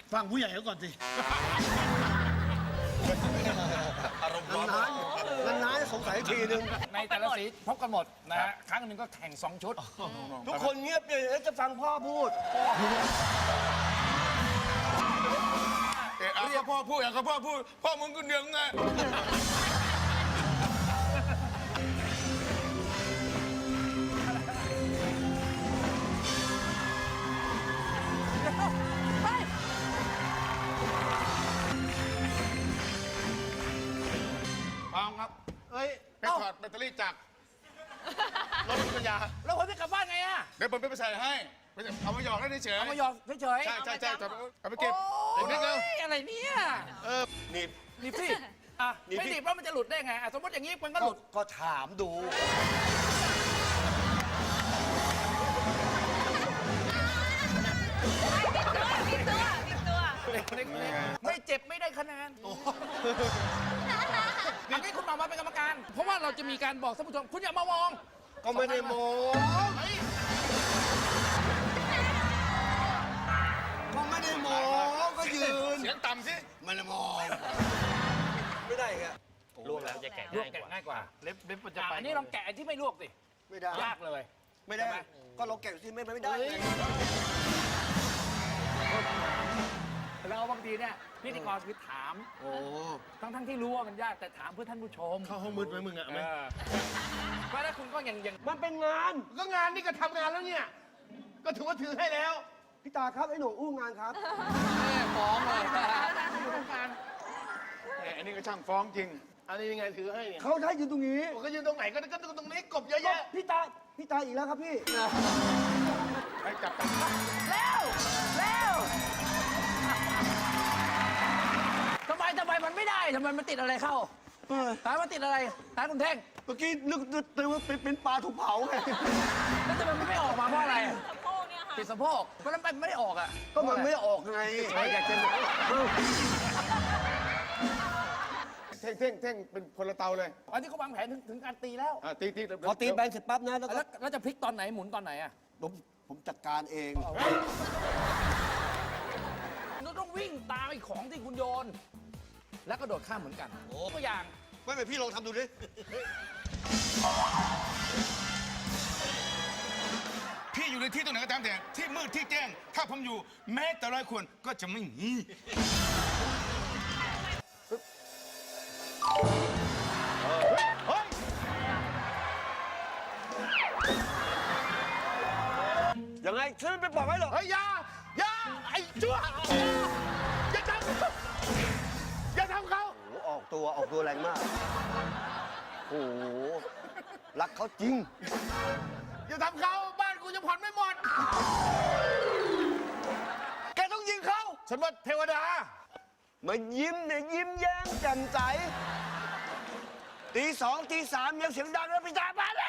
ฟังผู้ใหญ่เขาก่อนสิอารมณ์ร้อนนานๆสงสัยทีนึงในแต่ละสีพบกันหมดนะฮะครั้งหนึ่งก็แข่ง2 ชุดทุกคนเงียบเลยแล้วจะฟังพ่อพูดก็พ่อพูดอย่างก็พ่อพูดพ่อมึงก็เดืองไง พร้อมครับเอ้ยไปถอดแบตเตอรี่จากรถปัญญาแล้วผมจะกลับบ้านไงอะเดี๋ยวผมไปใส่ให้เอามาหยอกได้เฉยเอามาหยอกเฉยๆใช่เอาไปเก็บโอ้นิดเดียวยอะไรเนี่ยนี่นี่สิอ่ะไม่หนีบแล้วมันจะหลุดได้ไงอ่ะสมมติอย่างนี้มันก็หลุดก็ถามดูไม่เจ็บไม่ได้คะแนนอันนี้คุณมาเป็นกรรมการ เพราะว่าเราจะมีการบอกท่านผู้ชมคุณอย่ามามองก็ไม่ได้โมก็ไม่ได้โมก็ยืนเสียงต่ำสิมันละมองไม่ได้ไงลวกแล้วจะแกะง่ายกว่าเล็บมันจะไปอันนี้ลองแกะที่ไม่ลวกสิไม่ได้ยากเลยไม่ได้ ก็เราแก่ที่ไม่ได้เราบางทีเนี่ยพิธีกรคือถามโอ้ทั้งที่รู้ว่ามันยากแต่ถามเพื่อท่านผู้ชมเข้าห้องมืดไหมมึงอะไหมเพราะถ้าคุณก็ยังมันเป็นงานก็งานนี่ก็ทำงานแล้วเนี่ย ก็ถือว่าถือให้แล้วพี่ตาครับไอ้หนูอู้งานครับฟ้องเลยอันนี้ก็ช่างฟ้องจริงอันนี้ยังไงถือให้เนี่ยเขาได้ยืนตรงนี้ผมก็ยืนตรงไหนก็ตรงนี้กบเยอะแยะพี่ตาอีกแล้วครับพี่ให้จับเร็วทำไมมันไม่ได้ทำไมมันติดอะไรเข้าหามันติดอะไรหาคุณเท่งเมื่อกี้นึกว่าเป็นปลาถูกเผาไงแล้วทำไมมันไม่ออกมาเพราะอะไรติดสะโพกเพราะนั้นมันไม่ได้ออกอ่ะก็มันไม่ออกไงอยากจะเท่งเป็นคนละเตาเลยอันนี้เขาวางแผนถึงการตีแล้วตีพอตีแบนเสร็จปั๊บนะแล้วก็แล้วจะพลิกตอนไหนหมุนตอนไหนอ่ะผมจัดการเองเราต้องวิ่งตามไอ้ของที่คุณโยน แล้วก็โดดข้ามเหมือนกันตัวอย่างไม่เป็นพี่ลองทำดูดิพี่อยู่ในที่ตรงไหนก็ตามแต่ที่มืดที่แจ้ง ถ้าผมอยู่แม้แต่100 คนก็จะไม่มียังไงฉันไม่บอกให้หรอกเฮ้ยอย่าไอ้ชั่วอย่าทำเขาอย่าทำเขาโอ้โหออกตัวแรงมาก โอ้โหรักเขาจริงอย่าทำเขาบ้านกูจะผ่อนไม่หมดแกต้องยิงเขาฉันว่าเทวดามายิ้มเนี่ยยิ้มแย้มแจ่มใสตี 2 ตี 3ยังเสียงดังแล้วพี่ตามาแล้ว